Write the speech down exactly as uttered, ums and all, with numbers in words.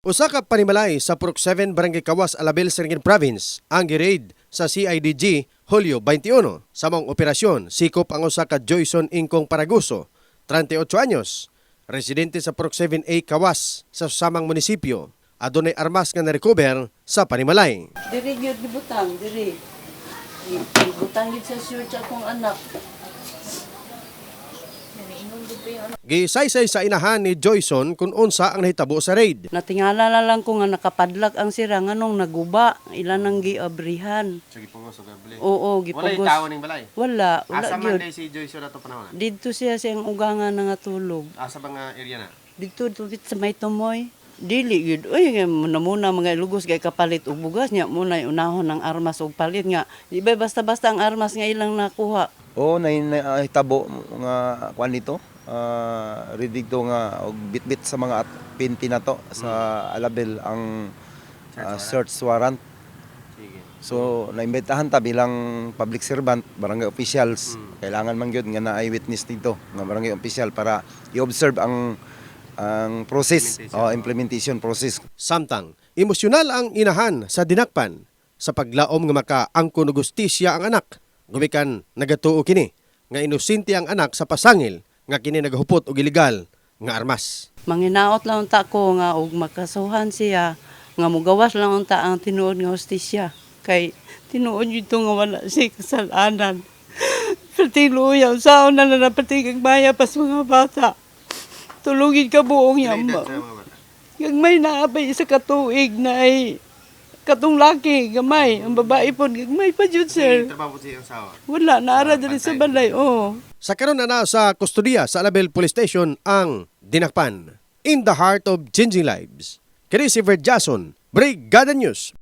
Usa ka panimalay sa Purok seven Barangay Kawas, Alabel, Siringin Province ang gi-raid sa C I D G Hulyo twenty-one. Sa mong operasyon, sikop ang usa ka Joyson Ingkong Paraguso, thirty-eight anyos, residente sa Purok seven A Kawas sa samang munisipyo. Adunay armas nga na-recover sa panimalay. Diri gyud gibutang, diri. Gibutang gyud sa church akong anak. Gisaysay sa inahan ni Joyson kung unsa ang nahitabo sa raid. Natingala na lang ko nga nakapadlak ang sira nganong naguba, ilan nang giabrihan. Sige pugos og gabli. Oo, Wala gipugos. yung tao ning balay. Wala, wala Asa man gyud. day si Joyson ato panahon. Dito siya siyang ugangan nga tulog. Asa ba nga area na? Dito tupit sa may tumoy. Dili gyud. Uy, muna muna mga lugos kay kapalit og bugas nya muna unahon ng armas og palit nga. Di ba basta-basta ang armas nga ilang nakuha. Oo, na nahitabo nga kuan dito. Uh, ready to nga og bitbit sa mga pinti na to sa Alabel ang uh, search warrant. Sige. So naimbitahan ta bilang public servant, barangay officials. Mm. Kailangan man gyud nga na eyewitness dito nga barangay official para i-observe ang ang process o oh, implementation process. Samtang emosyonal ang inahan sa dinakpan sa paglaom nga makaangkon og hustisya ang anak. Gumikan nagatuo kini nga inosente ang anak sa pasangil nga kini naghupot og ilegal nga armas. Manginaot lang unta ko nga og makasuhan siya nga mugawas lang unta ang tinuod nga hustisya kay tinuod yun nga wala siya kasalanan. Pati luya saon na na pati kag baya pas mga bata. Tulungin ka buong yama. Kag may naabay sa katuig na ay katong laki gamay, ang babae po gamay pa jud sir. Trabaho siya ang sawa. Wala naara diri sa balay. Oh. Sa karon na na sa kustodiya sa Alabel Police Station ang dinakpan. In the heart of changing lives. Kini si Verd Jason, Brigada News.